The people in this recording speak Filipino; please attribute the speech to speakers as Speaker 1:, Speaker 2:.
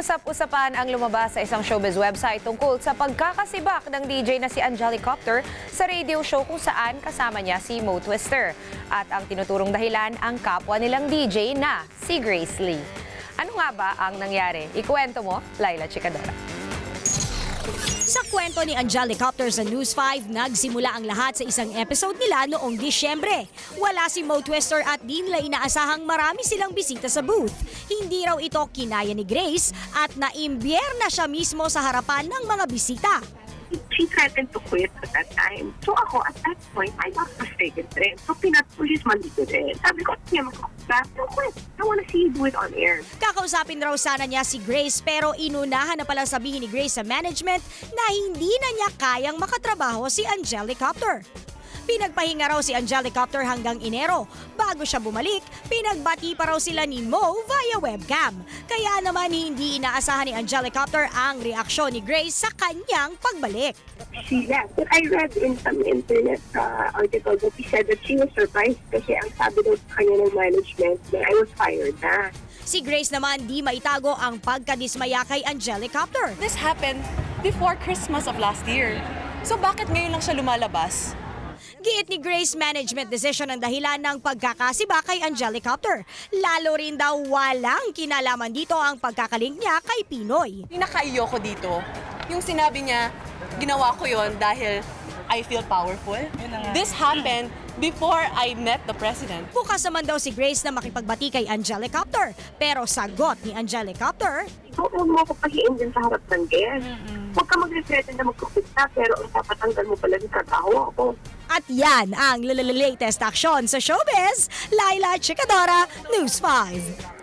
Speaker 1: Usap-usapan ang lumabas sa isang showbiz website tungkol sa pagkakasibak ng DJ na si Angelicopter sa radio show kung saan kasama niya si Mo Twister. At ang tinuturong dahilan ang kapwa nilang DJ na si Grace Lee. Ano nga ba ang nangyari? Ikuwento mo, Laila Chicadora.
Speaker 2: Sa kwento ni Angelicopter sa News 5, nagsimula ang lahat sa isang episode nila noong Disyembre. Wala si Mo Twister at di nila inaasahang marami silang bisita sa booth. Hindi raw ito kinaya ni Grace at naimbiyer na siya mismo sa harapan ng mga bisita.
Speaker 3: She threatened to quit at that time. So ako, at that point, I got frustrated rin. So pinat-pulis mali ko rin. Sabi ko, sige, quit. I wanna see you do it on air.
Speaker 2: Kakausapin raw sana niya si Grace pero inunahan na palang sabihin ni Grace sa management na hindi na niya kayang makatrabaho si Angelicopter. Pinagpahinga raw si Angelicopter hanggang Enero. Bago siya bumalik, pinagbati pa raw sila ni Mo via webcam. Kaya naman hindi inaasahan ni Angelicopter ang reaksyon ni Grace sa kanyang pagbalik.
Speaker 3: She left. But I read in some internet article that she said that she was surprised kasi ang sabi daw sa kanya ng management na I was fired na.
Speaker 2: Si Grace naman di maitago ang pagkadismaya kay Angelicopter.
Speaker 4: This happened before Christmas of last year. So bakit ngayon lang siya lumalabas?
Speaker 2: Giit ni Grace, management decision ang dahilan ng pagkakasiba kay Angelicopter. Lalo rin daw walang kinalaman dito ang pagkakalink niya kay Pinoy.
Speaker 4: Pinakaiyo ko dito. Yung sinabi niya, ginawa ko yon dahil I feel powerful. This happened before I met the president.
Speaker 2: Bukas naman daw si Grace na makipagbati kay Angelicopter. Pero sagot ni Angelicopter,
Speaker 3: So, huwag mo ako pahiin din sa harap ng guest. Huwag ka mag-threaten na magkupit na, pero ang papatanggal mo pala ng trabaho ako.
Speaker 2: at yan ang latest aksyon sa showbiz. Laila Chicadora, News 5.